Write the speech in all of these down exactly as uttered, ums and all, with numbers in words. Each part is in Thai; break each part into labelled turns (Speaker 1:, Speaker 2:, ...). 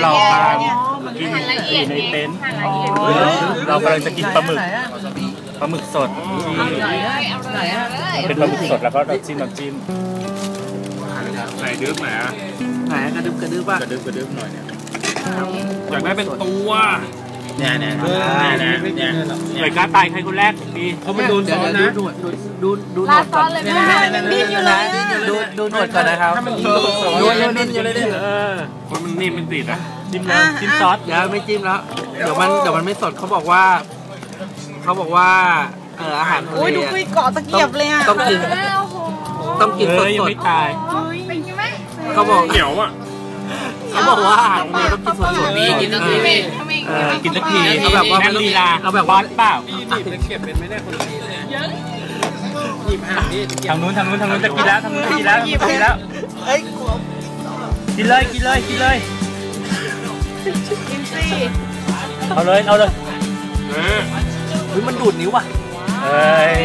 Speaker 1: เรากำลังกินอยู่ในเต็นท์เรากำลังจะกินปลาหมึกปลาหมึกสดเป็นปลาหมึกสดแล้วก็น้ำจิ้มน้ำจิ้มไหนดึ๊บไหนอ่ะไหนกระดึ๊บกระดึ๊บป่ะกระดึ๊บกระดึ๊บหน่อยเนี่ยอยากได้เป็นตัวเนี่ยเนี่ยเนี่ยเนี่ยหน่วยกล้าตายใครคนแรกดีเขามันโดนซ้อนนะดูดูดูดูหนวดก่อนดิ้นอยู่เลยดูดูหนวดก่อนนะครับดูดิ้นอยู่เลยเออคนมันนิ่มมันติดนะจิ้มเลยจิ้มซอสเดี๋ยวไม่จิ้มแล้วเดี๋ยวมันเดี๋ยวมันไม่สดเขาบอกว่าเขาบอกว่าเอออาหารทะเลโอ้ยดูคุยเกาะตะเกียบเลยอ่ะต้องกินต้องกินสดสดไม่ตายเขาบอกเหนียวอ่ะเขาบอกว่าอาหารทะเลต้องกินสดสดนี่กินตะกี้เออกินตะกี้เอาแบบว่าลีลาเอาแบบว่าเปล่าเก็บเป็นไม่ได้คนละหยิบอาหารนี่ทางนู้นทางนู้นทางนู้นจะกินแล้วทางนู้นจะกินแล้วกินแล้วเอ้ยกินเลยกินเลยกินเลยกินสิเอาเลยเอาเลยเฮ้ยมันดูดนิ้วว่ะเฮ้ย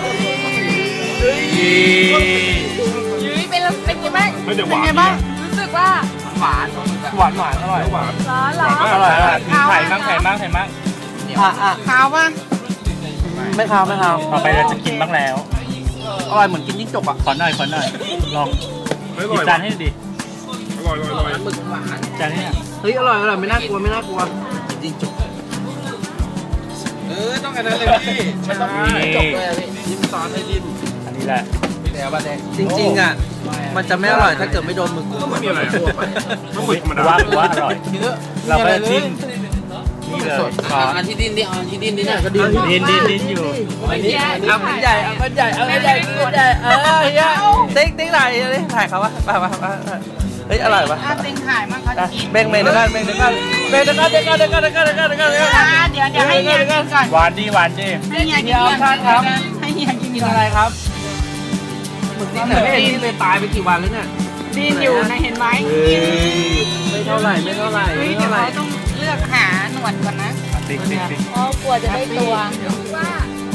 Speaker 1: ยุ้ยเป็นเป็นยังไงเป็นยังไงบ้างรู้สึกว่าหวานหวานหวานอร่อยหวานร้อนร้อนอร่อยอร่อยไข่มั่งไข่มั่งไข่มั่งอ่ะอ่ะขาวป่ะไม่ขาวไม่ขาวต่อไปเราจะกินบ้างแล้วอร่อยเหมือนกินยิ่งจกอ่ะขอหน่อยขอหน่อยลองกินจานให้ดิอร่อยอร่อยหมึกหวานจานนี้เฮ้ยอร่อยอร่อยไม่น่ากลัวไม่น่ากลัวยิ่งจกเออต้องกันนั้นเลยพี่ไม่ต้องจบเลยยิ้มซอสให้ดิ้นอันนี้แหละจริงๆอ่ะมันจะไม่อร่อยถ้าเกิดไม่โดนมือกูไม่มีอะไรทั่วไปต้องมือธรรมดาว่าว่าอร่อยเราก็จิ้มนี่เลยอันที่ดิ้นดิอันที่ดิ้นดิเนี่ยก็ดิ้นดิ้นดิ้นดิ้นอยู่อันนี้เอาเป็นใหญ่เอาเป็นใหญ่เอาเป็นใหญ่เป็นใหญ่เออเฮ้ยติ๊กติ๊กไหนเลยถ่ายเขาวะไปไปไปเฮ้ยอร่อยปะเต็งถ่ายมั้งเขาจะกินเบ่งเบ่งเดี๋ยวกันเบ่งเดี๋ยวกันเบ่งเดี๋ยวกันเดี๋ยวกันเดี๋ยวกันเดี๋ยวกันเดี๋ยวกันเดี๋ยวกันเดี๋ยวกันเดี๋ยวเดี๋ยวให้เฮียกินก่อนหวานดีหวานดีให้เฮียกินก่อนครับให้เฮียกินกินอะไรครับหมึกนี่แต่ไม่เห็นที่เลยตายไปกี่วันแล้วเนี่ยดิ้นอยู่นะเห็นไหมไม่เท่าไหร่ไม่เท่าไหร่ไม่เท่าไหร่ต้องเลือกหาหนวดก่อนนะติ๊กติ๊กติ๊กอ๋อกลัวจะได้ตัวว่า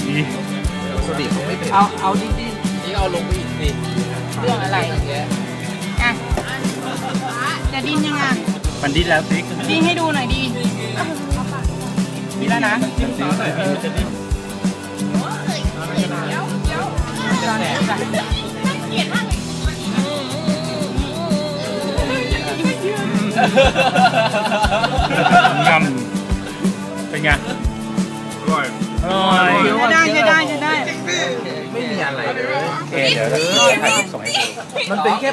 Speaker 1: เอาเอาดิ้นดิ้นนี่เอาลงไปอีกสิเรื่องอะไรอ่ะจะดิ้นยังไงมันดิ้นแล้วติ๊กดิ้นให้ดูหน่อยดิดิ้นแล้วนะดิ้นหน่อยจะดิ้นงำเป็นไงอร่อยอร่อยได้ได้ได้ได้ไม่มีอะไรเลยโอเคเดี๋ยวเราถ่ายส่งให้ดูมันเป็นแค่